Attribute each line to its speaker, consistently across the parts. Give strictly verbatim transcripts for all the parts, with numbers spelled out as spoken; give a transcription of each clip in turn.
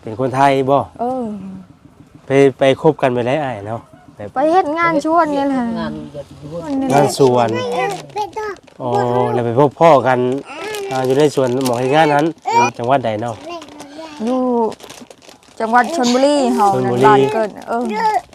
Speaker 1: เป็นคนไทยบ่
Speaker 2: เออ
Speaker 1: ไปไปคบกันไปได้อ้ายเนาะ
Speaker 2: ไปเฮ็ดงานชวนนี่แหละ
Speaker 3: งาน
Speaker 1: งานสวนอ๋อแล้วไปพบพ่อกันอยู่ในสวนหมอเฮ็ดงานนั้นจังหวัดใดเนาะ
Speaker 2: อยู่จังหวัดชลบุรีเฮานั่นบ้านเกิดเออ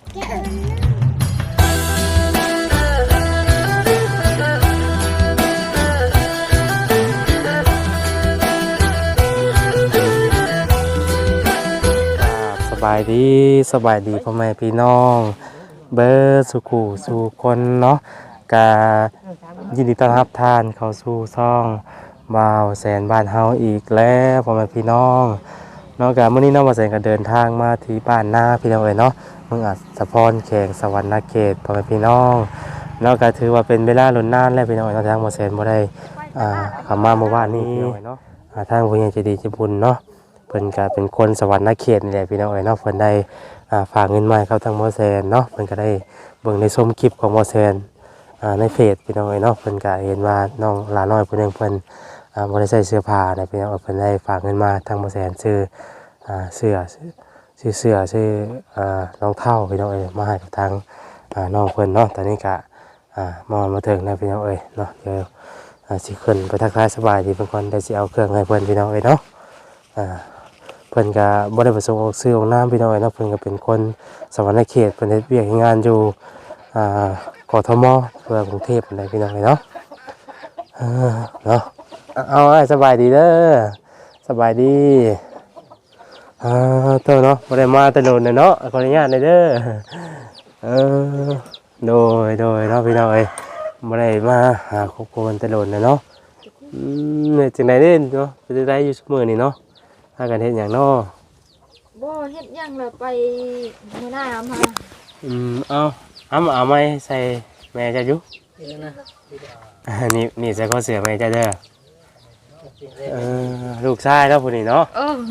Speaker 1: สบายดีสบายดีพ่อแม่พี่น้องเบิร์สุขูสู่คนเนาะกายินดีต้อนรับท่านเข้าสู่ช่องบ่าวแสนบ้านเฮาอีกแล้วพ่อแม่พี่น้องเนาะกาเมื่อนี้น้องบ่าวแสนก็เดินทางมาที่บ้านนาพี่น้องเอ๋ยเนาะเมืองอัศพรแขงสวรรณเขตพ่อแม่พี่น้องเนาะก็ถือว่าเป็นเวลาล้นนานแล้วพี่น้องเอ๋ยเนาะทางบ่าวแสนบ่ได้อ่าเข้ามาเมื่อวานนี้เนาะทางผู้ใหญ่ใจดีใจบุญเนาะเพิ่นก็เป็นคนสวรรณเขตนี่แหละพี่น้องเอ๋ยเนาะเพิ่นได้อ่าฝากเงินมาให้เขาทางบ่าวแสนเนาะเพิ่นก็ได้เบิ่งในชมคลิปของบ่าวแสนอ่าในเฟซพี่น้องเอ๋ยเนาะเพิ่นก็เห็นว่าน้องหลาน้อยผู้นึงเพิ่นอ่าบ่ได้ใส่เสื้อผ้าได้พี่น้องเพิ่นได้ฝากเงินมาทางบ่าวแสนซื้ออ่าเสื้อซื้อเสื้อซื้ออ่ารองเท้าพี่น้องเอ๋ยมาให้กับทางอ่าน้องเพิ่นเนาะตอนนี้ก็อ่ามอมาถึงแล้วพี่น้องเอ๋ยเนาะเดี๋ยวอ่าสิขึ้นไปทักทายสบายดีเพิ่นก่อนได้สิเอาเครื่องให้เพิ่นพี่น้องเอ๋ยเนาะอ่าเพิ่นก็บ่ได้ประสงค์ออกชื่อออกนามพี่น้องเอ๋ยเนาะเพิ่นก็เป็นคนสวรรณเขตเพิ่นเฮ็ดเวียกเฮ็ดงานอยู่อ่ากทมเพื่อกรุงเทพนั่นแหละพี่น้องเอ๋ยเนาะเออเนาะเอาไอ้สบายดีเด้อสบายดีอ่าเต้าเนาะบ่ได้มาแต่โดนเนาะขออนุญาตหน่อยเด้อเออโดยโดยเนาะพี่น้องเอ้ยบ่ได้มาหาครอบครัวแต่โดนเนาะอืมเนี่ยจังได๋เด้เนาะไปได้อยู่ซุมื้อนี้เนาะพากันเฮ็ดหยังเนาะ
Speaker 2: บ่เฮ็ดหยังล่ะไปมื้อหน้ามา
Speaker 1: อืมเอาเอาเอาไม้ใส่แม่จะอยู่นี่นี่ใส่ข้อเสือแม่จะเด้อเออลูกชายแล้วผู้นี้เนาะ
Speaker 2: เออ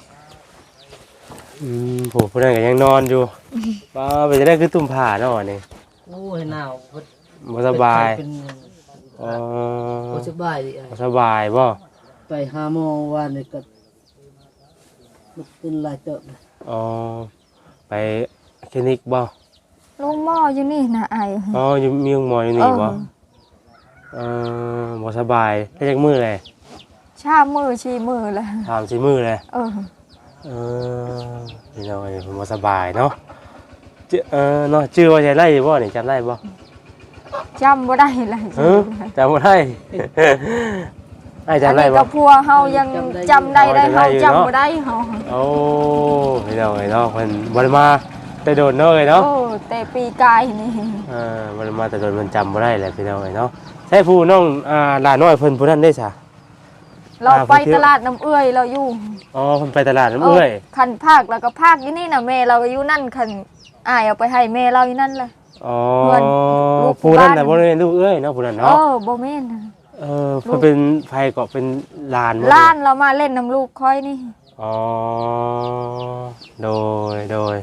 Speaker 1: อืมผู้ผู้นั้นก็ยังนอนอยู่ป้าไปจะได้คือตุ่มผ้าเนาะนี่
Speaker 3: โอ้ยหนาว
Speaker 1: บ่สบาย
Speaker 3: อ๋อบ่สบายดิ
Speaker 1: บ่สบายบ่
Speaker 3: ไปหาหมอว่านี่ก็มันเป็นหลายเติบ
Speaker 1: อ๋อไปคลินิกบ่
Speaker 2: ลุงหมออยู่นี่นะไอ้
Speaker 1: อ๋ออยู่มีหมออยู่นี่บ่เออบ่สบายได้จักมื้อเลย
Speaker 2: ชามือชีมือเลย
Speaker 1: สามสี่มื้อเลย
Speaker 2: เออ
Speaker 1: เออนี่น้อยบ่สบายเนาะเออเนาะชื่อว่าใช่ไร่บ่นี่จำได้บ่
Speaker 2: จำบ่ได้เลย
Speaker 1: เออจำบ่ได้ไอ้จำได้บ่
Speaker 2: กับพัวเฮายังจำได้ได้เฮาจำบ่ได้เฮา
Speaker 1: โอ้พี่น้องเนาะเพิ่นบ่ได้มาแต่โดนเนาะเอ้ยเนาะ
Speaker 2: โอ้แต่ปีกายนี่
Speaker 1: เออบ่ได้มาแต่โดนมันจำบ่ได้แหละพี่น้องเอ้ยเนาะใช่ผู้น้องอ่าหลานน้อยเพิ่นผู้นั้นได้ซะ
Speaker 2: เราไปตลาดน้ำเอื้อยเราอยู่
Speaker 1: อ๋อเพิ่นไปตลาดน้ำเอื้อย
Speaker 2: คันภาคแล้วก็ภาคอยู่นี่น่ะแม่เราอยู่นั่นคันอ้ายเอาไปให้แม่เราอยู่นั่นเลย
Speaker 1: อ๋อผู้นั้นน่ะบ่ได้ลูกเอ้ยเนาะผู้นั้นเนาะ
Speaker 2: เออบ่แม่น
Speaker 1: เออเพิ่นเป็นไผก็เป็นหลาน
Speaker 2: หลานเรามาเล่นน้ำลูกค่อยนี่
Speaker 1: อ๋อโดยโดย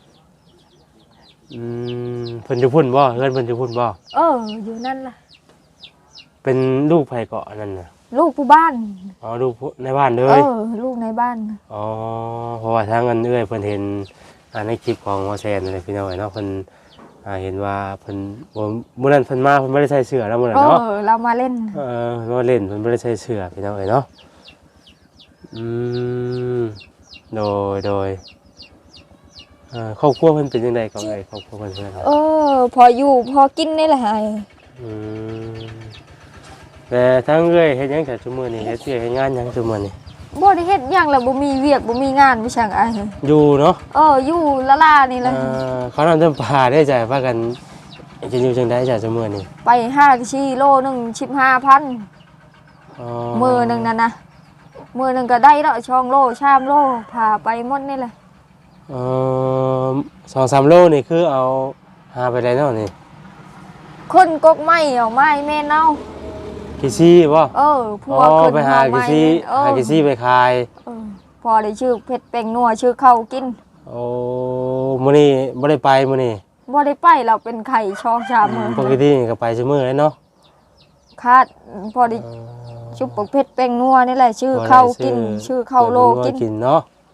Speaker 1: อืมเพิ่นอยู่พุ่นบ่เฮือนเพิ่นอยู่พุ่นบ่
Speaker 2: เอออยู่นั่นล่ะ
Speaker 1: เป็นลูกไผเกาะนั่นน่ะ
Speaker 2: ลูกผู้บ้าน
Speaker 1: อ๋อลูกในบ้านเลย
Speaker 2: เออลูกในบ้าน
Speaker 1: อ๋อเพราะว่าทางเงินเอื้อยเพิ่นเห็นอ่าในคลิปของหมอแซนนั่นแหละพี่น้อยเนาะเพิ่นอ่าเห็นว่าเพิ่นบ่มื้อนั้นเพิ่นมาเพิ่นบ่ได้ใส่เสื้อแล้วมื้อนั้นเนาะ
Speaker 2: เออเรามาเล่น
Speaker 1: เออมาเล่นเพิ่นบ่ได้ใส่เสื้อพี่น้อยเนาะอืมโดยโดยเอ่อครอบครัวเพิ่นเป็นจังได๋ก็เอ้ยครอบครัวเพิ่นเพิ่น
Speaker 2: เออพออยู่พอกินนี่แหละ
Speaker 1: อืมแต่ทั้งเอ้ยเฮ็ดหยังแต่ซุมื้อนี้เฮ็ดเวียกเฮ็ดงานหยังซุมื้อนี้
Speaker 2: บ่ได้เฮ็ดหยังแล้วบ่มีเวียกบ่มีงานบ่ช่างอ้าย
Speaker 1: อยู่เนาะ
Speaker 2: เอออยู่ละลานี่แหละ
Speaker 1: เออเขานำจำปาได้จ่ายพากันจะอยู่จังได๋จ้ะซุมื้อนี้
Speaker 2: ไปห้ากิโลนึง สิบห้าพัน
Speaker 1: อ๋อ
Speaker 2: มื้อนึงนั่นนะมื้อนึงก็ได้แล้วสองโลสามโลพาไปหมดนี่แหละ
Speaker 1: เอ่อ สองสาม โลนี่คือเอาหาไปได้เนาะนี่
Speaker 2: คนกกไม้เอาไม้แม่เนา
Speaker 1: กี่ซี่บ่
Speaker 2: เออพวกขึ้น
Speaker 1: ไปหากี่ซี่หากี่ซี่ไปขาย
Speaker 2: เออพอได้ชื่อเพชรแป้งนัวชื่อข้าวกิน
Speaker 1: โอ้มื้อนี้บ่ได้ไปมื้อนี้
Speaker 2: บ่ได้ไปเราเป็นไข่ช่องชามมื้อ
Speaker 1: ปกติก็ไปซุมื้อเลยเนาะ
Speaker 2: คาดพอได้ชุบเพชรแป้งนัวนี่แหละชื่อข้าวกินชื่อข้าวโลกิน
Speaker 1: กินเนาะ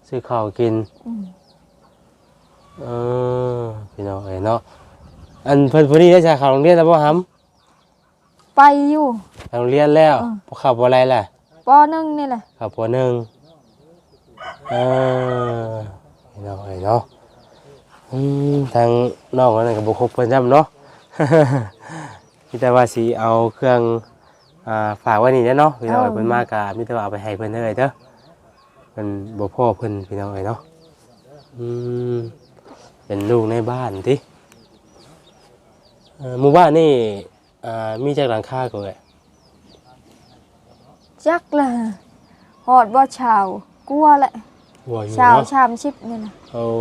Speaker 1: ซื้อข้าวกิน
Speaker 2: อืม
Speaker 1: เออพี่น้องเอ้ยเนาะอันเพิ่นพอดีได้จากเข้าโรงเรียนแล้วบ่หำ
Speaker 2: ไปอยู่
Speaker 1: เข้าโรงเรียนแล้วบ่เข้าบ่อะไรล่ะ
Speaker 2: ปหนึ่งนี่แหละ
Speaker 1: เข้าปหนึ่งเออพี่น้องเอ้ยเนาะอืมทางน้องนั่นก็บ่ครบเพิ่นซ้ำเนาะ มีแต่ว่าสิเอาเครื่องอ่าฝากไว้นี่แหละเนาะพี่น้องเอ้ยเพิ่นมาก็มีแต่ว่าเอาไปให้เพิ่นเด้อเด้อเพิ่นบ่พอเพิ่นพี่น้องเอ้ยเนาะอืมเป็นลูกในบ้านติเอ่อหมู่บ้านนี่อ่ามีจักหลังคาก็เอ้ย
Speaker 2: จักละหอดบ่ชาวกลัวแหละ
Speaker 1: หัวอยู่
Speaker 2: ชาว
Speaker 1: เนาะ
Speaker 2: ชามชิปนี่นะ
Speaker 1: โอ้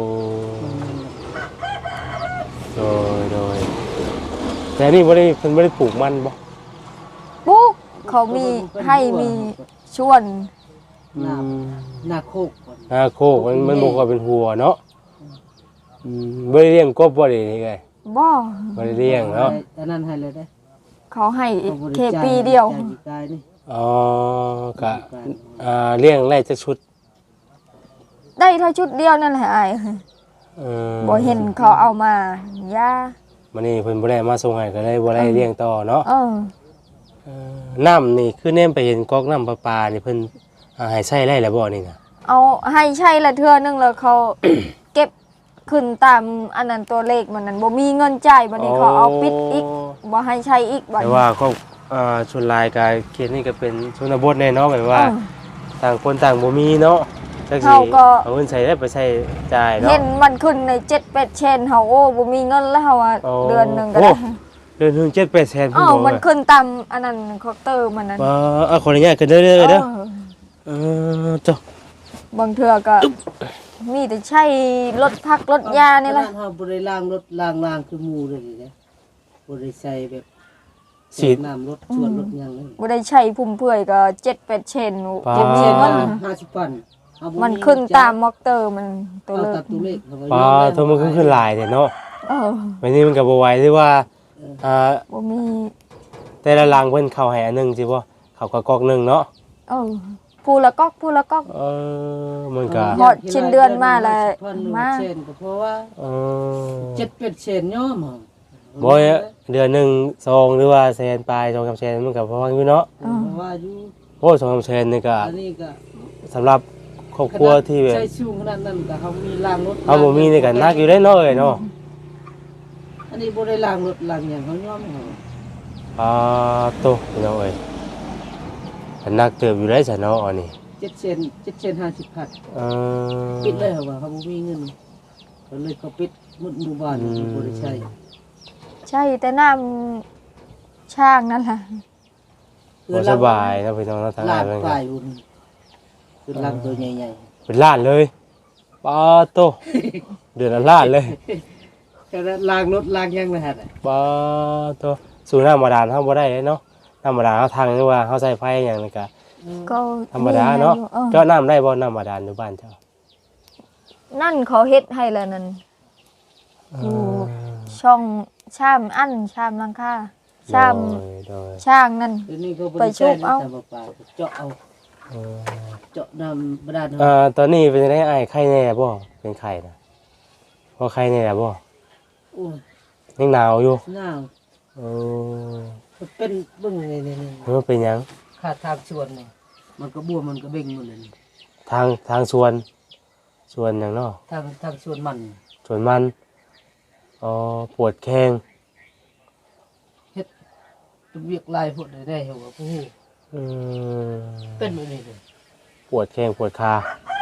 Speaker 1: โดยโดยแต่นี่บ่ได้เพิ่นบ่ได้ปลูกมันบ่
Speaker 2: ปุ๊กเขามีให้มีชวน
Speaker 3: หน้าหน้าโคกก่อน
Speaker 1: นาโคกมันมันบ่ค่อยเป็นหัวเนาะอืมบ่ได้เลี้ยงกบบ่ได้นี่ไง
Speaker 2: บ่
Speaker 1: บ่ได้เลี้ยงเนาะ
Speaker 3: อันนั้นให้เลยได้
Speaker 2: เขาให้
Speaker 3: เขาบริ
Speaker 2: แค่
Speaker 3: จา
Speaker 2: ปีเดียว
Speaker 3: จ่ากี่กายนี่
Speaker 1: อ๋อก็อ่าเลี้ยงไร่จักชุด
Speaker 2: ได้เท่าชุดเดียวนั่นแหละไอ้
Speaker 1: เออ
Speaker 2: บ่เห็นเขาเอามาย่า
Speaker 1: มื้อนี้เพิ่นบ่ได้มาส่งให้ก็เลยบ่ได้เลี้ยงต่อเนาะ
Speaker 2: เออ
Speaker 1: เออน้ำนี่คือแนมไปเห็นก๊อกน้ำประปานี่เพิ่นอ่าให้ใช้ได้แล้วบ่นี่น่ะ
Speaker 2: เอาให้ใช่ละเทื่อนึงแล้วเขา เก็บขึ้นตามอันนั้นตัวเลขมันนั้นบ่มีเงินจ่ายบัดนี้เขาเอาปิดอีกบ่ให้ใช้อีกบัด
Speaker 1: แต่
Speaker 2: นี้
Speaker 1: ว่าก็อ่าชนลายกายเขตนี่ก็เป็นชนบทแน่เนาะแบบว่า
Speaker 2: เออ
Speaker 1: ต่างคนต่างบ่มีเนาะจักสิ
Speaker 2: เขาก็
Speaker 1: เอาเงินใช้ได้ไปใช้จ่ายเนาะ
Speaker 2: เห็นมันขึ้นในเจ็ด แปดเชนเฮาโอ้บ่มีเงินแล้วเฮาว่า
Speaker 1: โอ้
Speaker 2: เดือนหนึงก็
Speaker 1: โอ้
Speaker 2: ได้
Speaker 1: เดือนหนึงเจ็ดแปดแสน
Speaker 2: อ้าวมันขึ้นตามอันนั้นเคาน์เตอร์มันนั้น
Speaker 1: ว่าเอาขออนุญาตกันเด้อเด้อเด้อ
Speaker 2: เออ
Speaker 1: เออจ้ะ
Speaker 2: บางเทื่อก็มีแต่ใช้รถพักรถยานี่แหละ
Speaker 3: ขนาดเฮาบ่ได้ล้างรถล้างล้างคือหมู่เลยนี่เด้บ่ได้ใส่แบบ
Speaker 1: สีด
Speaker 3: น้ำรถชวนรถหยังเลย
Speaker 2: บ่ได้ใช้พุ่มเพื่อยก็เจ็ด แปดเชน
Speaker 1: ปา
Speaker 2: บ่มี
Speaker 3: เช่น
Speaker 2: เงิ
Speaker 3: ว่าน ห้าสิบปันเอาบ่
Speaker 2: มันขึ้นตามมอกเตอร์มันตัว
Speaker 3: เอา
Speaker 2: เล
Speaker 3: ตาม
Speaker 2: ข
Speaker 3: ตัวเลขเขก็
Speaker 1: ปลาย
Speaker 3: อม
Speaker 1: โทรมันขึ้นขึ้นหลายแต่เนาะ
Speaker 2: เออ
Speaker 1: วันนี้มันก็บ่ไหวที่ว่าอ่า
Speaker 2: บ่มี
Speaker 1: แต่ละรังเพิ่นเข้าให้อันหนึงสิบ่เข้ากระกอกหนึงเนาะ
Speaker 2: เออผู้ละก๊อกผู้ละก๊อก
Speaker 1: เออมันก็
Speaker 2: หมดชิ้นเดือนมาแล้ว
Speaker 3: มา
Speaker 2: มา
Speaker 3: เช่นก็เพราะว่า
Speaker 1: เออ
Speaker 3: เจ็ดเป็ดเช่นย่อมเหรอ
Speaker 1: บ่ยเดือนหนึงซองหรือว่าแสนปลายสองสามแสนมันก็พออยู่เนาะ
Speaker 3: เพราะว่าอยู่
Speaker 1: โอ้สองสามแสนนี่ก็
Speaker 3: อันนี้ก็
Speaker 1: สำหรับครอบครัวที่แบบ
Speaker 3: ใช้สูงขนาดนั้นก็เขามีล้างรถ
Speaker 1: เฮาบ่มีนี่ก็หนักอยู่ได้เนาะเอ้ยเนาะ
Speaker 3: อันนี้บ่ได้ล้างรถล้างหยังเขาย่อมเหรอ
Speaker 1: อ่าโตพี่น้องเอ้ยก็หนักเติบอยู่ได้ซะเนาะอันนี้
Speaker 3: เจ็ดเช่นเจ็ดเช่นห้าสิบพัน
Speaker 1: เออ
Speaker 3: ปิดเลยเหรอว่าเขาบ่มีเงินก็เลยเขาปิดหมดหมู่บ้านบ่ได้ใช้
Speaker 2: ใช่แต่น้ำช่างนั่นแหละ
Speaker 1: บ่สบายเนาะพี่น้องเนาะทาง
Speaker 3: ล้า
Speaker 1: นั้น
Speaker 3: ง
Speaker 1: มัน
Speaker 3: ป
Speaker 1: ก็
Speaker 3: ลายอุ่นคือล้างตัวใหญ่
Speaker 1: เป็นล้านเลยปาโตเดือนละล้านเลย
Speaker 3: ๆก็ล้างรถล้างหยังนะฮะ
Speaker 1: ปาโตสู่น้ำบาดาลเฮาบ่ได้เนาะน้ำบาดาลเฮาทางหรือว่าเฮาใช้ไฟหยังนี่ก็
Speaker 2: ก็
Speaker 1: ธรรมดาเนาะ
Speaker 2: ออ
Speaker 1: เจาะน้ำได้บ่น้ำบาดาลอยู่บ้านเจ้า
Speaker 2: นั่นเขาเฮ็ดให้แล้วนั่น อยู่ ช่องชามอันชามหลังคาชาม
Speaker 1: โดยโดย
Speaker 2: ช่างนั่น
Speaker 3: เดี๋ยวนี้เขาบ่
Speaker 2: ไป
Speaker 3: ได้
Speaker 2: ชุ
Speaker 3: ใช้
Speaker 2: บเอา
Speaker 3: ตามปลาเจาะเอา
Speaker 1: เออ
Speaker 3: เจาะน้ำบาดาล
Speaker 1: เอ่
Speaker 3: เอา
Speaker 1: อตอนนี้เป็นจังได๋อ้ายไข้แน่บ่เป็นไข้น่ะพอไข้แน่บ่
Speaker 3: โอ้ย
Speaker 1: ยังหนาวอยู่
Speaker 3: หนาว
Speaker 1: เออ
Speaker 3: มันเป็นเบิ่งนี่นี่
Speaker 1: มันเป็นหยัง
Speaker 3: ขาดทางชวนนี่มันก็บวมมันก็เบ่งหมดเลยนี่
Speaker 1: ทางทางสวนสวนหยังเนาะ
Speaker 3: ทางทางชวนมัน
Speaker 1: สวนมันอ๋อปวดแข้ง
Speaker 3: เวียกลายพวกได้ได้เหรอว่าผู้
Speaker 1: อืม
Speaker 3: เป็นแบบนี้เลย
Speaker 1: ปวดแข้งปวดขา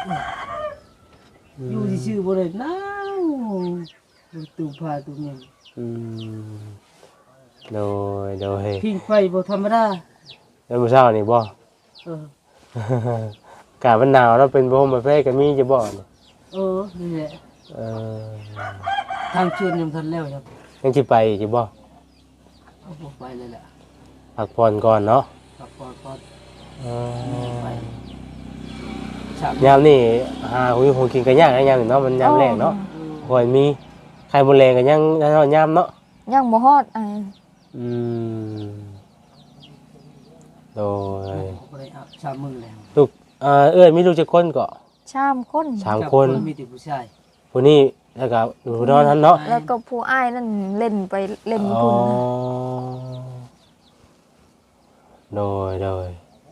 Speaker 3: อยู่ที่ชื่อบ่ได้หนาวตูพาตูเมียง
Speaker 1: อืมโดยโดย
Speaker 3: พิงไฟบ่ธรรมดา
Speaker 1: แล้วมื้อเช้านี่บ่
Speaker 3: เออ
Speaker 1: อากาศมันหนาวแล้วเป็นโบมประเภทก็มีจะบ่นี่
Speaker 3: เออนี่แหละ
Speaker 1: เออ
Speaker 3: ทางชวนยังทันแล้วครับ
Speaker 1: ยังสิไปอีกสิบ่
Speaker 3: เอาบ่ไปเลยแหละ
Speaker 1: พักผ่อนก่อนเนาะ
Speaker 3: ครับก่อนก่อน
Speaker 1: เอ
Speaker 3: ไป
Speaker 1: อ
Speaker 3: ฉาก
Speaker 1: ยามนี่หาหุยคงกินกันยากนะยามนี่เนาะมันยามแรงเนาะค่อยมีไข่มดแรงก็ยังยามเนาะ
Speaker 2: ยังบ่ฮอดไอ้
Speaker 1: อืมโดย
Speaker 3: บ่ได้อาบชามือแล้ว
Speaker 1: ลูกเอ่อเอ้ยมีลูกจักคนก็
Speaker 2: ชามคน
Speaker 1: สามคน
Speaker 3: มีแต่ผู้ชาย
Speaker 1: ผู้นี้แล้วก็ผู้นอนนั้นเนาะ
Speaker 2: แล้วก็ผู้อ้ายนั่นเล่นไปเล่น
Speaker 1: อ๋อ
Speaker 2: พุ่น
Speaker 1: โดยโดย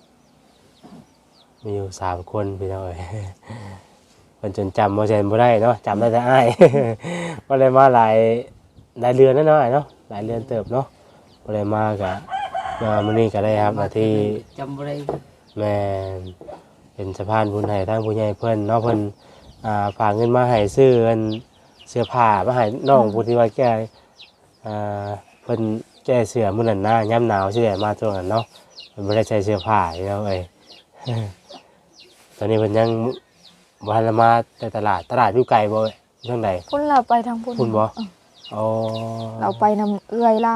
Speaker 1: มีอยู่สามคนพี่น้อย มันจนจำโมเซนบ่ได้เนาะจำได้แต่อ้าย ก็เลยมาหลายหลายเรือนนั่นเนาะอ้ายเนาะหลายเรือนเติบเนาะก็เลยมากะมามื้อนี้ก็ได้ครับหน้าที่
Speaker 3: จำบ่ได้
Speaker 1: แม่นเป็นสะพานบุญให้ทางผู้ใหญ่เพิ่นเนาะเพิ่นอ่าฝากเงินมาให้ซื้ออันเสื้อผ้ามาให้น้องผู้ที่ว่าแก้อ่าเพิ่นแก้เสื้อมื้อนั้นนะยามหนาวสิได้มาช่วงนั้นเนาะเพิ่นบ่ได้ใส่เสื้อผ้าอยู่แล้วเอ้ย ตอนนี้เพิ่นยังบ่ทันได้มาแต่ตลาดตลาดอยู่ไกลบ่เอ้ยทางใด
Speaker 2: พุ่นเราไปทางพุ่น
Speaker 1: พุ่นบ่
Speaker 2: เออ
Speaker 1: อ๋อ
Speaker 2: เราไปนำเอื้อยเรา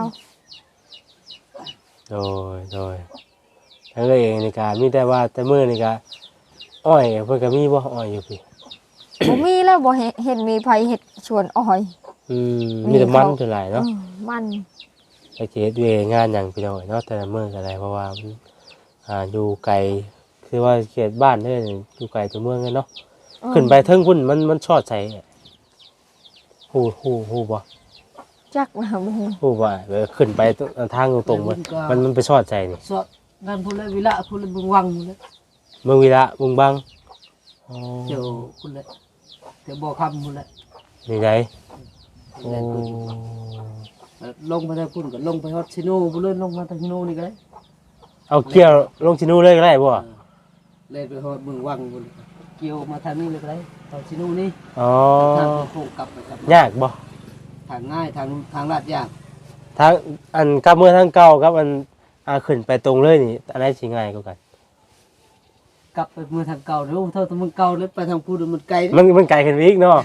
Speaker 1: โดยโดยทั้งเอ้ยเองนี่ก็มีแต่ว่าแต่มื้อนี่ก็อ้อยเพิ่นก็มีบ่อ้อยอยู่พี่
Speaker 2: บ่มีแล้วบ่เห็นเห็นมีไผเฮ็ดชวนอ้อย
Speaker 1: อืมมีแต่มันเท่าไหร่เนาะ
Speaker 2: เออมัน
Speaker 1: ไปเกตเวยงานอย่างพี่น้อยเนาะแต่ละเมืองก็ได้เพราะว่ามันอ่าอยู่ไกลคือว่าเขตบ้านเนี่ยอยู่ไกลตัวเมืองเลยเนาะ
Speaker 2: เออ
Speaker 1: ขึ้นไปเทิงพุ่นมันมันชอดใส่ฮู้ฮู้ฮู้บ่
Speaker 2: จักนะบ่ฮู้
Speaker 1: ฮู้บ่เออขึ้นไปทางตรงๆมันมันมันไปชอดใส่นี่
Speaker 3: สอดงานพุ่นละวิละพุ่นละบึงวังพุ่นละ
Speaker 1: เมืองวีระเมืองบางอ๋อ
Speaker 3: เจ้าพุ่นละเจ้าบ่อคำพุ่นละ
Speaker 1: นี่ไดโอ้
Speaker 3: ลงไปทางพุ่นก็ลงไปฮอดซิโนพุ่นเลยลงมาทางซิโนนี่ก็ได้
Speaker 1: เอาเกี่ยวลงชินูเลยก็ได้บ่
Speaker 3: เล่นไปฮอดบึงวังพุ่นเกี่ยวมาทางนี้เลยก็ได้ทางซิโนนี่
Speaker 1: อ๋อ
Speaker 3: ทางโค้งกลับไปกลับมาย
Speaker 1: ากบ่
Speaker 3: ทางง่ายทางทางลาดยาก
Speaker 1: ทางอันกลับเมืองทางเก่ากับอันอ่าขึ้นไปตรงเลยนี่อันไหนสิง่ายกว่ากัน
Speaker 3: กลับไปเมืองทางเก่าเด้อเท่าทางเมืองเก่าแล้วไปทางพูดมันไกล
Speaker 1: มันมันไกลขึ้นไปอีกเนาะ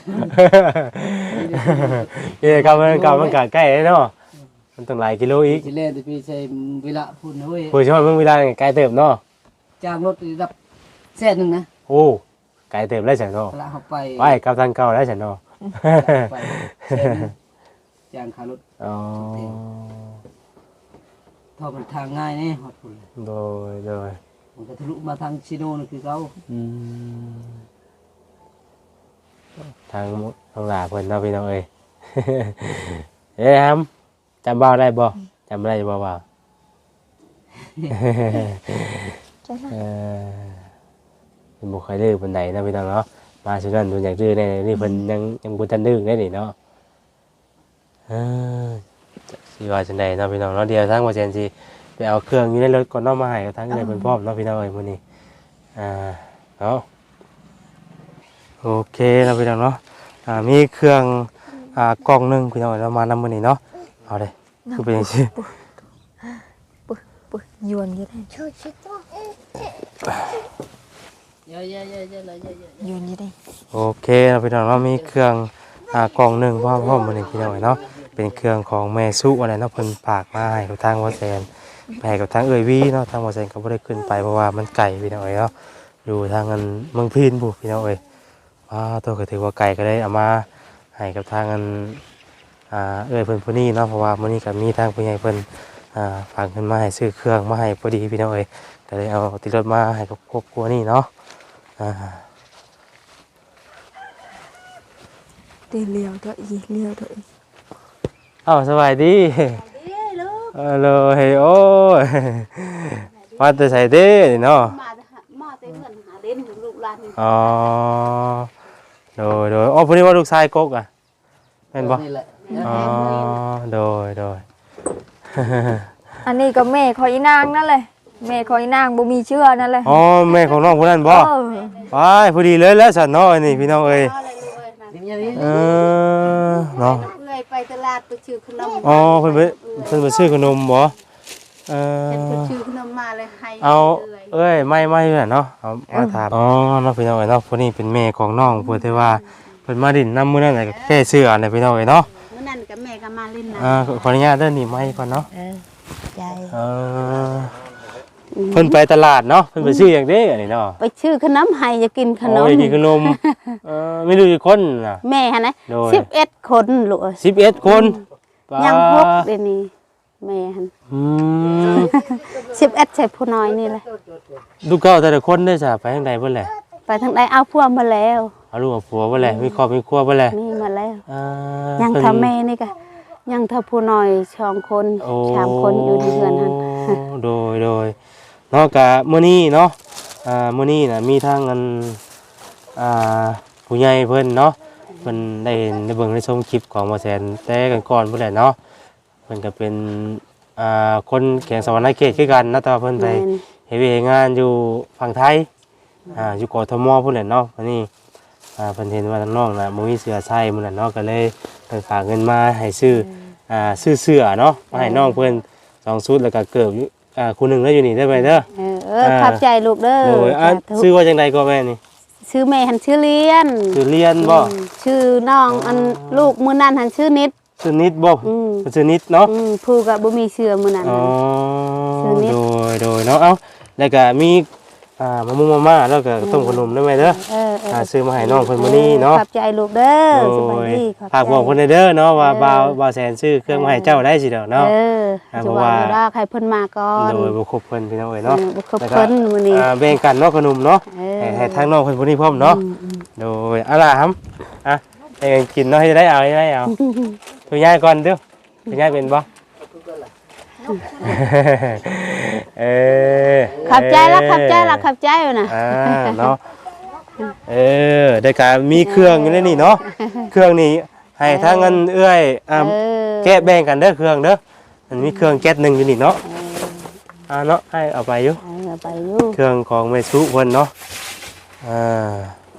Speaker 1: เอ้ยกลับมันกลับมันก็ใกล้เนาะมันต้องหลายกิโลอีก
Speaker 3: สิเล่นแต่พี่ใช้เวลาพูดนะเว้ย
Speaker 1: ผู้ชมเบิ่งเวลานี่ไกลเติบเนาะ
Speaker 3: จ้างรถระดับแสนหนึงนะ
Speaker 1: โอ้ไกลเติบแล้วฉันเนาะ
Speaker 3: เวลาเขาไป
Speaker 1: ไปกลับทางเก่าแล้วฉันเนาะ
Speaker 3: ไปแสนหนึ่งจ้างค่ารถ
Speaker 1: อ๋อ
Speaker 3: เท่ามันทางง่ายแน่ฮอดพุ่นเลย
Speaker 1: โดยโดย
Speaker 3: มันก็ทะลุมาทางซิโนนี่คือเขา
Speaker 1: อืมทางทางหลาเพิ่นเนาะพี่น้องเอ้ย เอ้ยครับจำบ่าวได้บ่จำได้บ่บ่าว
Speaker 2: จัง
Speaker 1: เออเป็นบุคคลดื้อปานใดนะพี่น้องเนาะมาสุนันดูอยากดื้อแน่นี่เพิ่นยังยังบ่ทันดื้อได้นี่เนาะเออจะสิว่าจังไดเนาะพี่น้องเนาะเดี๋ยวทางบ่แซนสิไปเอาเครื่องอยู่ในรถก่อนเนาะมาให้กับทางเอื้อยเพิ่นพร้อมเนาะพี่น้องเอ้ยมื้อนี้อ่าเนาะโอเคเนาะพี่น้องเนาะอ่ามีเครื่องอ่ากล่องหนึงพี่น้องเอ้ยเรามานำมื้อนี้เนาะเอาเลยคือเป็นจังซี่
Speaker 2: ปึ๊ปึ๊ยวนอยู่ได้
Speaker 3: เยอะๆๆๆๆ
Speaker 2: ยวนอยู่ได้
Speaker 1: โอเคเราพี่น้องเรามีเครื่องอ่ากล่องหนึ่งพ่อพ่อมาหนึ่งพี่น้องเนาะเป็นเครื่องของแม่สุอะไรเนาะเพิ่นฝากมาให้กับทางวอแซนไปให้กับทางเอ่ยวีเนาะทางวอแซนก็บ่ได้ขึ้นไปเพราะว่ามันไกลพี่น้องเอ้ยเนาะอยู่ทางอันเมืองพีนบุพี่น้องเอ้ยว้าตัวก็ถือว่าไกลก็ได้เอามาให้กับทางอันอ่าเอ่ยเพิ่นผู้นี้เนาะเพราะว่ามื้อนี้ก็มีทางผู้ใหญ่เพิ่นอ่าฝากเงินมาให้ซื้อเครื่องมาให้พอดีพี่น้องเอ้ยก็เลยเอาติดรถมาให้กับครอบครัวนี่เนาะอ่า
Speaker 2: เดี๋ยวเลี้ยวตัวอีเลี้ยวตัวอี
Speaker 1: อ้าวสบายดีเออเลยโอ้ยมาแต่ใส่เด้เนาะ
Speaker 4: มาแต่หามาแต่เงินหาเล่นของลูกหลานนี่
Speaker 1: อ๋อโดยโดยอ๋อพอดีว่าลูกชายกกอ่ะเป็นบ่
Speaker 3: นี่แหละ
Speaker 1: อ๋อโดยโดย
Speaker 2: อันนี้ก็แม่คอยอีนางนั่นเลยแม่คอยอีนางบ่มีเชื่อนั่นเลย
Speaker 1: อ๋อแม่ของน้องคนนั้นบ่
Speaker 2: เออ
Speaker 1: ไปพอดีเลยแล้วสันเนาะอันนี้พี่น้องเอ้ย
Speaker 4: เอาอะไรลูกเอ้ยนั่น
Speaker 3: นี่อย่างนี้
Speaker 1: เออเนาะ
Speaker 4: เอื้อยไปตลาดไปชื่อขนม
Speaker 1: อ๋อเพิ่นไปเพิ่นไปซื้อขนมบ่เอ
Speaker 4: เห็น
Speaker 1: อ
Speaker 4: เพิ่นชื่อขนมมาเลยให้
Speaker 1: เอา
Speaker 4: อื้อย
Speaker 1: เอ้ยไม่ไม่เพื่อนเนาะเอามาถามอ๋อเนาะพี่น้องเอ้ยเนาะผู้นี้เป็นแม่ของน้องเพิ่นที่ว่าเพิ่นมาดินน้ำมื้อนั้นน่ะก็แค่เสื้อน่ะพี่น้องเอ้ยเนาะ
Speaker 4: มื้อนั้นกับแม่ก็มาเล่นน้
Speaker 1: อ่าขออนุญาตเด้อนี่ไม้ก่อนเนาะ
Speaker 4: ำเออใจ
Speaker 1: เออเพิ่นไปตลาดเนาะเพิ่นไปซื้อหยังเด้อันนี้เนาะ
Speaker 4: ไปชื่อขนมให้จะกินขนม
Speaker 1: โอ้ยกินขนมเออไม่รู้กี่คนน่ะ
Speaker 4: แม่หั่นนะ
Speaker 1: โดย
Speaker 4: สิบเอ็ดคนลูกเอ้ย
Speaker 1: สิบเอ็ดคนป๊า
Speaker 4: ยังพกเดี๋ยวนี้แม่หั่น
Speaker 1: อืม
Speaker 4: สิบเอ็ดใส่ผู้น้อยนี่แหละ
Speaker 1: ลูกเก้าแต่ละคนได้จ้ะไปทางใดเพิ่นแหละ
Speaker 4: ไปทางใดเอาพวกมาแล้ว
Speaker 1: เอาลูกเอาผัวบ่แหละมีครอบมีครัวบ่แหละ
Speaker 4: มีมาแล้ว
Speaker 1: อ่า
Speaker 4: ยัง
Speaker 1: เพิ่น
Speaker 4: ทำแม่นี่ก็ยังทำผู้น้อยสองคน
Speaker 1: โอ้
Speaker 4: สามคนอยู่ในเรือนหัน
Speaker 1: โดยโดยเนาะกะมื้อนี้เนาะอ่ามื้อนี้น่ะมีทางอันอ่าผู้ใหญ่เพิ่นเนาะเพิ่นได้เห็นได้เบิ่งได้ชมคลิปของบ่แสนแต่กันก่อนพุ่นแหละเนาะเพิ่นก็เป็นอ่าคนแขวงสะหวรรณเขตคือกันนะแต่ว่าเพิ่นไป
Speaker 4: แม่น
Speaker 1: เฮ็ดเวยกงานอยู่ฝั่งไทยอ่าอยู่กทมพุ่นแหละเนาะวันนี้อ่าเพิ่นเห็นว่าทางน้องน่ะบ่มีเสื้อใส่พุ่นน่ะเนาะก็เลยเพิ่นฝากเงินมาให้ซื้ออ่าซื้อเสื้อเนาะมาให้น้องเพิ่นสองชุดแล้วก็เกิบอยู่อ่าคู่หนึงแล้วอยู่นี่ได้ไหมเด้อ
Speaker 4: เออเออขับใจลูกเด้อ
Speaker 1: โดยอ่ะ
Speaker 4: สาธุ
Speaker 1: ซื้อว่าจังไดก็แม่นี่
Speaker 4: ชื่อแม่หันชื่อเลียน
Speaker 1: ซื้อเรียนบ่
Speaker 4: อืมชื่อน้องอันลูกมื้อนั้นหันชื่อนิด
Speaker 1: ซื้อนิดบ่
Speaker 4: อืม
Speaker 1: ซื้อนิดเนาะ
Speaker 4: อืมผู้ก็บ่มีเชื่อมื้อนั้น
Speaker 1: อ๋อ
Speaker 4: ซื้อนิด
Speaker 1: โดยโดยเนาะเอ้าแล้วก็มีอ่ามะม่วงมาม่าแล้วก็ต้มขนมได้ไหมเด้อ
Speaker 4: เออเออ
Speaker 1: อ่าซื้อมาให้น้องเพิ่นมื้อนี้เนาะ
Speaker 4: ขับใจลูกเด้อสบายดีขอบใจ
Speaker 1: ฝากบอกคนในเด้อเนาะว่า
Speaker 4: เออ
Speaker 1: บ่าวบ่าวแสนซื้อเครื่องมาให้เจ้าได้สิเด้อเนาะ
Speaker 4: เออ
Speaker 1: อ่า
Speaker 4: จะ
Speaker 1: เพราะ
Speaker 4: ว่า
Speaker 1: ว่า
Speaker 4: บ่ได้ใครเพิ่นมาก่อน
Speaker 1: โดยบ่ครบเพิ่นพี่น้องเอ้ยเนาะ
Speaker 4: เออบ่ครบเพิ่นมื้อนี้
Speaker 1: อ่าแบ่งกันเนาะขนมเนาะ
Speaker 4: เออ
Speaker 1: ให้ให้ทางน้องเพิ่นผู้นี้พร้อมเนาะ
Speaker 4: อืมอืม
Speaker 1: โดยเอาล่ะครับอ่ะให้กันกินเนาะให้ได้เอาให้ได้เอาตัวยายก่อนเด้อตัวยายเป็นบ่เออ
Speaker 4: ขับใจละขับใจละขับใจอยู่น่ะ
Speaker 1: อ่าเนาะเออได้การมีเครื่องอยู่ในนี่เนาะเครื่องนี้ให้ทางเงินเอื้อยอ่า
Speaker 4: เออ
Speaker 1: แกะแบ่งกันเด้อเครื่องเด้อมันมีเครื่องแก๊สหนึ่งอยู่นี่เนาะอ่าเนาะให้เอาไปอยู่
Speaker 4: เออไปอยู่
Speaker 1: เครื่องของเมซุเพิ่นเนาะอ่า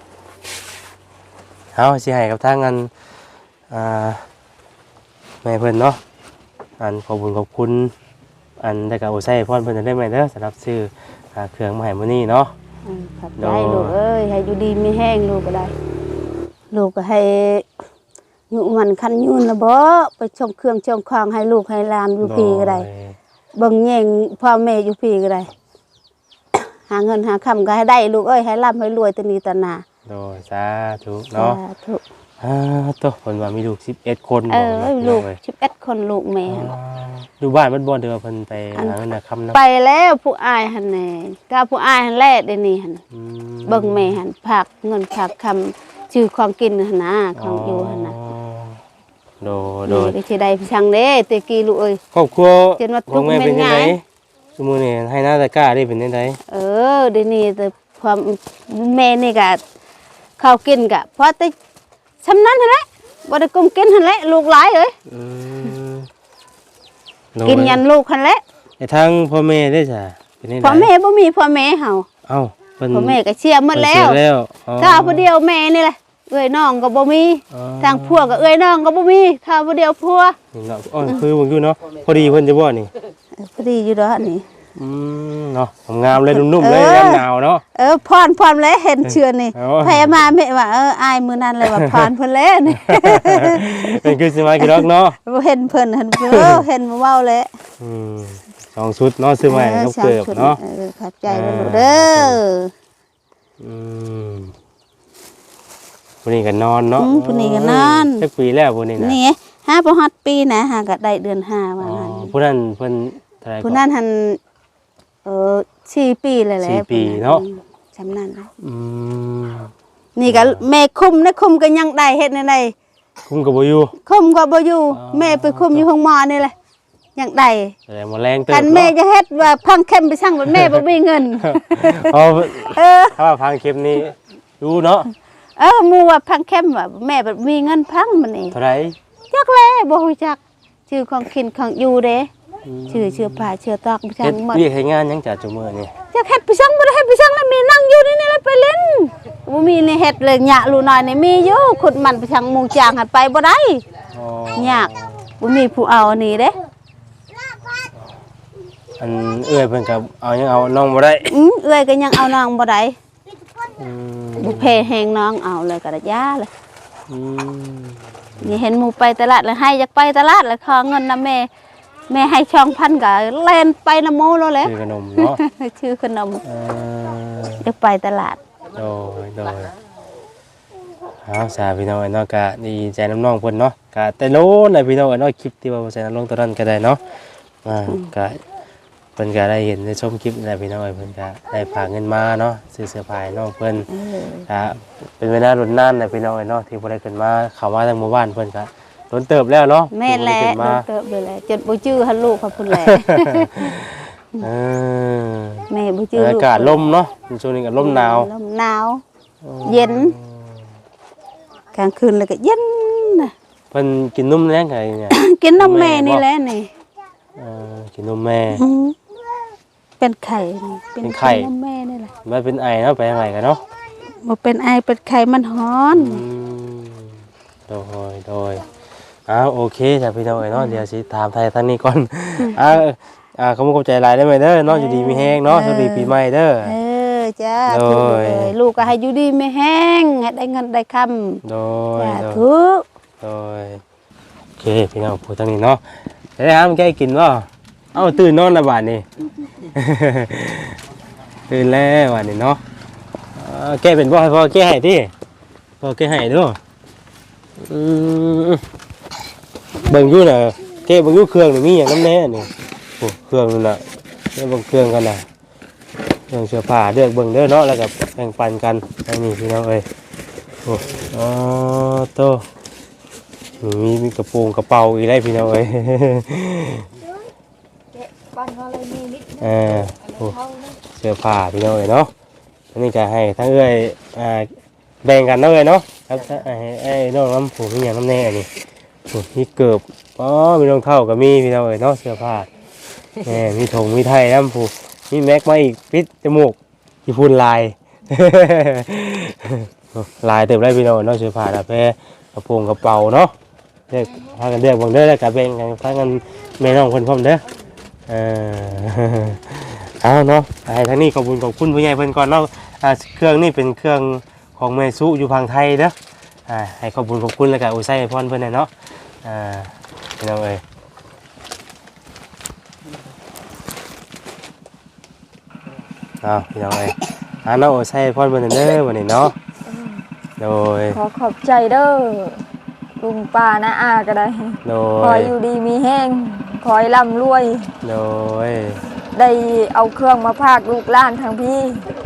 Speaker 1: เอาสิให้กับทางอันอ่าแม่เพิ่นเนาะอันขอบคุณขอบคุณอันได้กับโอไซพรเพิ่นได้ไหมเด้อสำหรับซื้ออ่าเครื่องมาให้มื้อนี้เนาะ
Speaker 4: เออขับใจลูกเอ้ยให้อยู่ดีมีแห้งลูกก็ได้ ลูกก็ให้อยู่มันคันยืนนะบ่ไปชมเครื่องชมคองให้ลูกให้หลานอยู่พี่ก็ได้
Speaker 1: โย
Speaker 4: เบิ่งแย่งพ่อแม่อยู่พี่ก็ได้ หาเงินหาคำก็ให้ได้ลูกเอ้ยให้ร่ำให้รวยแตนี้ตะหนา
Speaker 1: โดยสาธุเนาะ
Speaker 4: สาธุ
Speaker 1: อ่าตัวเพิ่นว่ามีลูกสิบเอ็ดคน
Speaker 4: เอ
Speaker 1: บ่
Speaker 4: อ
Speaker 1: เนาะ
Speaker 4: ลูก
Speaker 1: เว้ย
Speaker 4: สิบเอ็ดคนลูกแม่
Speaker 1: อ่าอยู่บ้านมันบ่เด้อเพิ่นไปหาเงินหาคำนะ
Speaker 4: ไปแล้วผู้อายหั่นแน่ก็ผู้อายหั่นแลเดี๋ยวนี้หั่น
Speaker 1: อืม
Speaker 4: เบิ่งแม่หั่นฝากเงินฝากคำชื่อของกินหั่นนะของอยู่หั่นน่ะ
Speaker 1: โดยโดย
Speaker 4: ได้สิได้พี่ช่างเด้แตะกี้ลูกเอ้ย
Speaker 1: ครอบครัว
Speaker 4: เห็นว่า
Speaker 1: ของแม่เป็น
Speaker 4: ทุกข์เป็น
Speaker 1: ยังไง
Speaker 4: ไง
Speaker 1: สมมุตินี่ให้หน้าตะกร้าได้เป็นยังไง
Speaker 4: เออเดี๋ยวนี้แต่ความแม่นี่ก็ข้าวกินก็พอแต่ชำนั้นหั่นแหละบ่ได้กุมกินหั่นแหละลูกหลายเอ้ย
Speaker 1: อืมโดย
Speaker 4: กินยันลูกหั่นแหละ
Speaker 1: ไอ้ทางพ่อแม่ได้จ้ะเป็นยังไง
Speaker 4: พ่อแม่บ่มีพ่อแม่เฮา
Speaker 1: เอ้าเพิ่น
Speaker 4: พ่อแม่ก็เชียร์หมดแล้ว
Speaker 1: เพิ่นเสียแล้วอ๋อ
Speaker 4: ถ้าผู้เดียวแม่นี่แหละเอ้ยน้องก็บ่มี
Speaker 1: อ๋อ
Speaker 4: ทางผัวก็เอ้ยน้องก็บ่มีถ้าผู้เดียวผัว
Speaker 1: นี่เนาะอ๋อคือเบิ่งอยู่เนาะพอดีเพิ่นจะบ่นี่
Speaker 4: เออพอดีอยู่ดอกนี่
Speaker 1: อืมเนาะงามเลยนุ่มๆเลย
Speaker 4: เออ
Speaker 1: ยามหนาวเนาะ
Speaker 4: เออพรพรแล้วเห็นเชือนนี่
Speaker 1: เอา
Speaker 4: พยามาแม่ว่าเอออายมื้อนั้นเลยว่าพรเพิ่นแล้วนี่
Speaker 1: เป็นคือสิมากี่ดอกเนาะ
Speaker 4: บ่เห็นเพิ่นเห็นเพิ่นเออเห็นมาเว้าแล้ว
Speaker 1: อืมสองชุดเนาะซื้อมาให้กับเกิบเนาะ
Speaker 4: เออขอบใจเด้อลูกเด้อ
Speaker 1: อืมวันนี้ก็นอนเนาะ
Speaker 4: อืมผู้นี้ก็นอน
Speaker 1: จักปีแล้วผู้นี้นะ
Speaker 4: นี่ห้าบ่ฮอดปีนะหาก็ได้เดือนห้าว่า
Speaker 1: อ๋อ
Speaker 4: งั้น
Speaker 1: ผู้นั้นเพิ่นเท่าไหร่
Speaker 4: ผู้นั้นหันเออสี่ปีเลยแหละ
Speaker 1: สี่ปีเนาะ
Speaker 4: จำนั้นนะ
Speaker 1: อืม
Speaker 4: นี่ก็แม่คุมนะคุมก็ยังได้เฮ็ดในใด
Speaker 1: คุ้มกับบ่อยู่
Speaker 4: คุมก็บ่อยู่
Speaker 1: อ๋อ
Speaker 4: แม่ไปคุมอยู่ห้องหมอนี่แหละยังได้
Speaker 1: แต่หมดแรงเติบ
Speaker 4: กันแม่
Speaker 1: เนาะ
Speaker 4: จะเฮ็ดว่าพังเข้มไปช่างว่าแม่บ่มีเงิน
Speaker 1: เอา
Speaker 4: เออ
Speaker 1: ถ้าว่าพังเข็มนี้ดูเนาะ
Speaker 4: เออหมู่ว่าพังเข้มว่าแม่บ่มีเงินพังมันนี่
Speaker 1: เท่าไหร่
Speaker 4: จักแลบ่ฮู้จักชื่อของกินของอยู่เด้ชื่อชื่อผ้าชื่อตอกไปช่า
Speaker 1: เฮ็ด
Speaker 4: งหมด
Speaker 1: เรียกให้งานหยังจัดจุมื้อนี่
Speaker 4: จักเฮ็ดไปช่างบ่ได้เฮ็ดไปช่างแล้วมีนั่งอยู่นี่นี่แหละไปเล่นบ่มีนี่เฮ็ดเลยหยะลูน้อยนี่มีอยู่ขุดมันไปช่างมุงจางหัดไปบ่ได้
Speaker 1: อ๋อย
Speaker 4: ากบ่มีผู้เอาอันนี้เด้
Speaker 1: อันเอื้อยเพิ่นก็เอายังเอาน้องบ่ได้
Speaker 4: อือเอื้อยก็ยังเอาน้องบ่ได้
Speaker 1: อืม
Speaker 4: บ่เพแฮงน้องเอาเลยก็ได้ยาเลย
Speaker 1: อืม
Speaker 4: นี่เห็นหมู่ไปตลาดแล้วให้อยากไปตลาดแล้วขอเงินนำแม่แม่ให้ช่องพันก็เล่นไปนำโมแล้วแหละ
Speaker 1: ซื้อขนมเนาะ
Speaker 4: ชื่อขนม
Speaker 1: เออ
Speaker 4: อยากไปตลาด
Speaker 1: โดยโดยเอาสาพี่น้องเนาะกะดีใจน้ำน้องเพิ่นเนาะกะแต่โลนเลยพี่น้องเนาะคลิปที่ว่าใส่น้ำลงตัวนั้นก็ได้เนาะอ่ากะเพิ่นก็ได้เห็นได้ชมคลิปอะไรพี่น้องเอ้ยเพิ่นก็ได้ฝากเงินมาเนาะซื้อเสื้อผ้าให้น้องเพิ่น
Speaker 4: เออ
Speaker 1: อ่าเป็นเวลารุ่นนานน่ะพี่น้องเอ้ยเนาะที่บ่ได้ขึ้นมาเข้ามาทางหมู่บ้านเพิ่นก็ล้นเติบแล้วเนาะ
Speaker 4: แม่นแหละ
Speaker 1: ที่บ่ได้ขึ้นมา
Speaker 4: โดนเติบเลยแหละจนบ่จื้อหันลูกเขาพุ่นแหละ
Speaker 1: เออ
Speaker 4: แม่บ่จื้อลู
Speaker 1: อากาศลมเนาะช่วงนี้ก็ลมหนาว
Speaker 4: ลมหนาว เย็นกลางคืนแล้วก็เย็นนะ
Speaker 1: เพิ่นกินนมแรงไงเนี่ย
Speaker 4: กินนมแม่นี่แหละนี่
Speaker 1: เออกินนมแม่
Speaker 4: อืมเป็นไข่นี่
Speaker 1: เป็นไข่
Speaker 4: นมแม่นี่แหละ
Speaker 1: มันเป็นไอเนาะไปยังไงกันเนาะ
Speaker 4: บ่เป็นไอเป็นไข่มันฮ้อน
Speaker 1: อืมโดยโดยอ้าวโอเคจ้ะพี่น้องเอ้ยเนาะเดี๋ยวสิถามไทยทางนี้ก่อนอ่าอ่าขอบคุณขอบใจหลายได้ไหมเด้อเนาะอยู่ดีมีแฮงเนาะสวัสดีปีใหม่เด้อ
Speaker 4: เออจ้า
Speaker 1: โดย
Speaker 4: ถูกเลยลูกก็ให้อยู่ดีไม่แห้งให้ได้เงินได้คำ
Speaker 1: โดย
Speaker 4: จ้า
Speaker 1: โดย
Speaker 4: ทุก
Speaker 1: โดยโอเคพี่น้องพูดทางนี้เนาะได้ห้ามแกกินบ่เอ้าตื่นนอนและบาดนี้ ตื่นแล้วบาดนี้เนาะเอ่อแกเป็นบ่ให้พ่อแกให้ติพ่อแกให้เด้ออืมเบิ่งอยู่น่ะแกเบิ่งอยู่เครื่องนี่มีหยังนำแน่นี่โอ้เครื่องนั่นน่ะเดี๋ยวเบิ่งเครื่องกันน่ะเครื่องเสื้อผ้าเลือกเบิ่งเด้อเนาะแล้วก็แบ่งปันกันอันนี้พี่น้องเอ้ยโอ้อ๋อโต มีมีกระโปรงกระเป๋าอีกได้พี่น้องเอ้ย
Speaker 2: บ้านเขาเลยมีนิด
Speaker 1: เออโอ้เสื้อผ้าพี่น้องเอ้ยเนาะอันนี้ก็ให้ทั้งเอ้ยอ่าแบ่งกันเนาะเอ้ยเนาะครับไอ้ไอ้น้องน้ำผูมีอย่างน้ำแน่อันนี้โอ้มีเกือบอ๋อมีรองเท้าก็มีพี่น้องเอ้ยเนาะเสื้อผ้าแหมมีถุงมีไทยน้ำผูมีแม็กมาอีกปิดจมูกมีพูนลาย ลายเต็มเลยพี่น้องเนาะเสื้อผ้าตาแพรกระโปรงกระเป๋าเนาะเรียกพากันเรียกบังเด้อแล้วก็แบ่งกันพากันแม่น้องคนพร้อมเด้อเออ เอาเนาะไอ้ทางนี้ขอบคุณขอบคุณผู้ใหญ่เพิ่นก่อนเนาะอ่าเครื่องนี่เป็นเครื่องของเมซุอยู่พังไทยเด้ออ่าให้ขอบคุณขอบคุณแล้วก็อุไซพรเพิ่นน่ะเนาะอ่าพี่น้องเอ้ยเอาพี่น้องเอ้ยอ่าเนาะอุไซพรเพิ่นน่ะเด้อวันนี้เนาะโดย
Speaker 2: ขอขอบใจเด้อลุงป้านะอาก็ได้
Speaker 1: โด
Speaker 2: ขอย อยู่ดีมีแห้งขอให้ร่ำรวย
Speaker 1: โดย
Speaker 2: ได้เอาเครื่องมาพากลูกหล้านทางพี่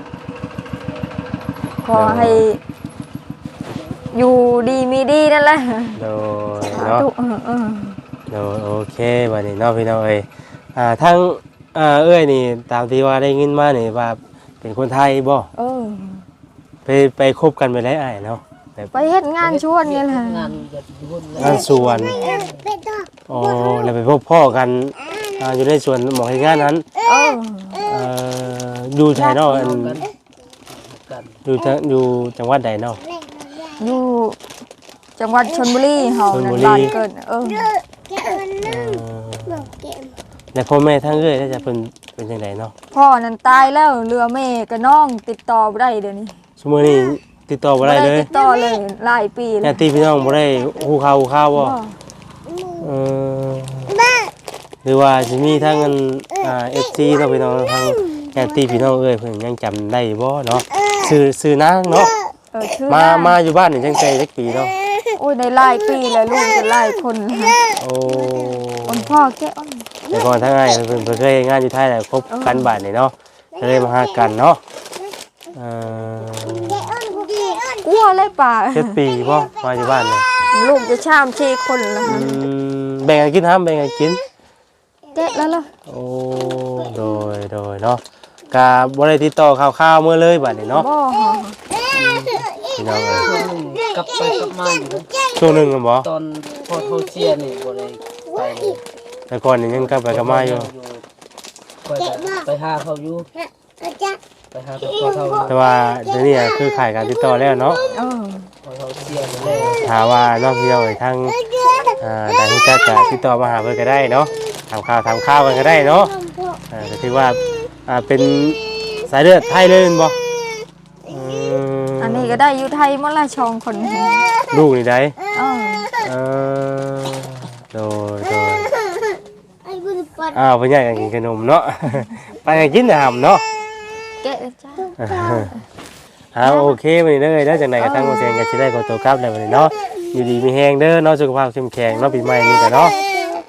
Speaker 2: ขอให้ อยู่ดีมีดีนั่นแหละ
Speaker 1: โดยเนาะ
Speaker 2: สาธุเออเออ
Speaker 1: โดยโอเควันนี้เนาะพี่น้องเอ้ยอ่าทั้งอ่าเอ้ยนี่ตามที่ว่าได้ยินมานี่ว่าเป็นคนไทยบ่
Speaker 2: เออ
Speaker 1: ไปไปคบกันไปได้อ้ายเนาะแบบ
Speaker 2: ไปเฮ็ดงานชวนนี่แหละ
Speaker 3: งานจะยุ่นเลย
Speaker 1: งานสวนอ๋อแล้วไปพบพ่อกันอ่าอยู่ในสวนหมอเฮ็ดงานนั้น
Speaker 2: เออ
Speaker 1: เอ่ออยู่ไทยเนาะอัน
Speaker 3: กันกัน
Speaker 1: อยู่จังอยู่จังหวัดใดเนาะ
Speaker 2: อยู่จังหวัดชลบุรีเฮา
Speaker 1: ชลบุ
Speaker 2: นั่น
Speaker 1: รี
Speaker 2: บ้านเกิดเออ
Speaker 1: เอ่อแล้วพ่อแม่ทั้งเอ้ยได้จะเป็นเป็นจังไดเนาะ
Speaker 2: พ่อนั้นตายแล้วเรือแม่กับน้องติดต่อบ่ได้เดี๋ยวนี้
Speaker 1: ซุมื้อนี้ติดต่อบ่ได้เลย
Speaker 2: ติดต่อเลยหลายปีแล้
Speaker 1: ญาว ติพี่น้องบ่ได้ฮู้ข่าวฮู้ข่าวบ่
Speaker 2: บ่
Speaker 1: เออหรือว่าสิมีทั้งอันอ่า เอฟ ซี เนาะพี่น้องทางญาติพี่น้องเอ้ยเพิ่นยังจำได้บ่เนาะชื่อชื่อนางเนาะ
Speaker 2: เออชื่อ
Speaker 1: มา
Speaker 2: นาง
Speaker 1: มาอยู่บ้านนี่จังใจจักปีเนาะ
Speaker 2: โอ้ยในหลายปีแล้วลูกจะหลายคนนะ
Speaker 1: โอ้
Speaker 2: คนพ่อแค่อ้อน
Speaker 1: แต่ก่อนทั้งอ้ายเพิ่นเพิ่นเคยเฮ็ดงานอยู่ไทยแหละคบกันบ้านนี่เนาะก็เลยมาหากันเนาะเอ่อก
Speaker 2: ลัวเลยป่า
Speaker 1: เจ็ดปีบ่มาอยู่บ้านนี่
Speaker 2: ลูกจะชามชีคนแล้ว
Speaker 1: อืมแบ่งกันกินห้ามแบ่งกันกิน
Speaker 2: แกะแล้วล่ะ
Speaker 1: โอ้โดยโดยเนาะกะบ่ได้ติดต่อข่าวๆมื้อเลยบัดนี้เนาะ
Speaker 2: บ่ฮะ
Speaker 1: พี่น้องเอ้ย
Speaker 3: ช่วงหนึ่งกลับไปกลับมาอยู่นะ
Speaker 1: ช่วงหนึงกันบ่
Speaker 3: ตอนพอเขาเชียร์นี่บ่ได้ไปเลย
Speaker 1: แต่ก่อนนี่ยังกลับไปกลับมาอยู่
Speaker 3: ไปไปหาเขาอยู่ไปหาเขาเขาอยู่
Speaker 1: แต่ว่าเดี๋ยวนี้อะคือขายการติดต่อแล้วเนาะ
Speaker 2: เออ
Speaker 3: พอเขาเชียร์ไปแล้ว
Speaker 1: ถามว่านอกพี่น้องทางอ่าได้รู้จักก็ติดต่อมาหาเพิ่นก็ได้เนาะถามข่าวถามข่าวกันก็ได้เนาะอ่าก็ถือว่าอ่าเป็นสายเลือดไทยเลยแม่นบ่อืม
Speaker 2: อันนี้ก็ได้อยู่ไทยหมดละชองคน
Speaker 1: ลูกนี่ได้
Speaker 2: เออ
Speaker 1: เออโดยโดยอ้าวเพิ่นอยากกินขนมเนาะ ไปกันกินน้ำเนาะ
Speaker 2: แกะจ้า
Speaker 1: อ่าโอเควันนี้เด้อเด้อจังไดก็ตั้งโมเสงก็สิได้ขอตัวกลับแล้ววันนี้เนาะอยู่ดีมีแฮงเด้อเนาะสุขภาพเข้มแข็งเนาะปีใหม่นี้ก็เนาะ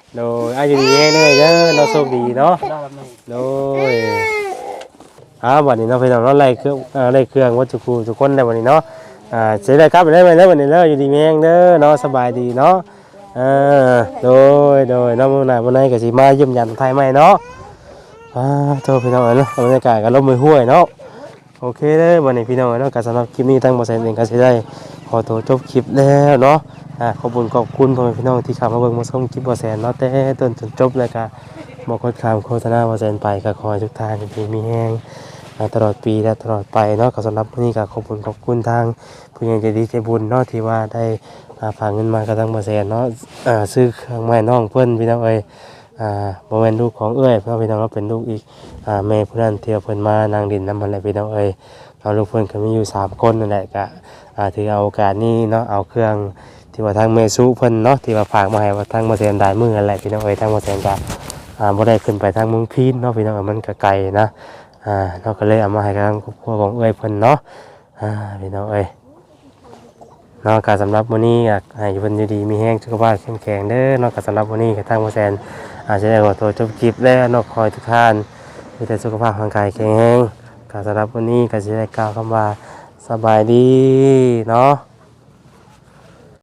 Speaker 1: โดยอายุดีแน่ๆเด้อเนาะโชคดีเนาะ
Speaker 3: รอบนึง
Speaker 1: โดยอ่าวันนี้เนาะพี่น้องเนาะไล่เครื่องอ่าไล่เครื่องวัตถุกูทุกคนได้วันนี้เนาะอ่าเสียได้ครับได้ไหมได้วันนี้เด้ออยู่ดีแม่งเด้อเนาะสบายดีเนาะอ่าโดยโดยเนาะมื้อหน้ามื้อไหนก็สิมาเยี่ยมยันไทยใหม่เนาะอ่าโทษพี่น้องเอ้ยเนาะบรรยากาศก็ลมมือห้วยเนาะโอเคเด้อวันนี้พี่น้องเอ้ยเนาะก็สำหรับคลิปนี้ทั้งบ่แซนเองก็สิได้ขอตัวจบคลิปแล้วเนาะอ่าขอบคุณขอบคุณพ่อแม่พี่น้องที่เข้ามาเบิ่งมาชมคลิปบ่แซนเนาะแต่ต้นจนจบเลยก็ บอกกดคำโฆษณาว่าเซนไปก็ขอให้ทุกท่านมีมีแห้งอ่าตลอดปีและตลอดไปเนาะก็สำหรับวันนี้ก็ขอบคุณขอบคุณทางผู้ใหญ่ใจดีใจบุญเนาะที่ว่าได้อ่าฝากเงินมากระทั่งเปอร์เซ็นต์เนาะอ่าซื้อเครื่องไม้น้องเพิ่นพี่น้องเอ้ยอ่าบ่แม่นลูกของเอ้ยเพราะพี่น้องเราเป็นลูกอีกอ่าแม่ผู้นั้นเที่ยวเพิ่นมานางดินนำมันแหละพี่น้องเอ้ยเราลูกเพิ่นก็มีอยู่สามคนนั่นแหละก็อ่าถือเอาโอกาสนี้เนาะเอาเครื่องที่ว่าทางเมซุเพิ่นเนาะที่ว่าฝากมาให้ว่าทางเปอร์เซ็นต์ได้มื้อนั่นแหละพี่น้องเอ้ยทางเปอร์เซ็นต์ก็ อ่าบ่ได้ขึ้นไปทางเมืองพีนเนาะพี่น้องมันก็ไกลนะอ่าเราก็เลยเอามาให้ทางครอบครัวของเอ้ยเพิ่นเนาะอ่าพี่น้องเอ้ยเนาะก็สำหรับมื้อนี้อยากให้เพิ่นอยู่ดีมีแรงสุขภาพเข้มแข็งเด้อเนาะก็สำหรับมื้อนี้ก็ทางบ่แซนอาจจะได้ขอตัวจบคลิปแล้วเนาะขอให้ทุกท่านมีแต่สุขภาพร่างกายแข็งแรงก็สำหรับมื้อนี้ก็สิได้กล่าวคำว่าสบายดีเนาะ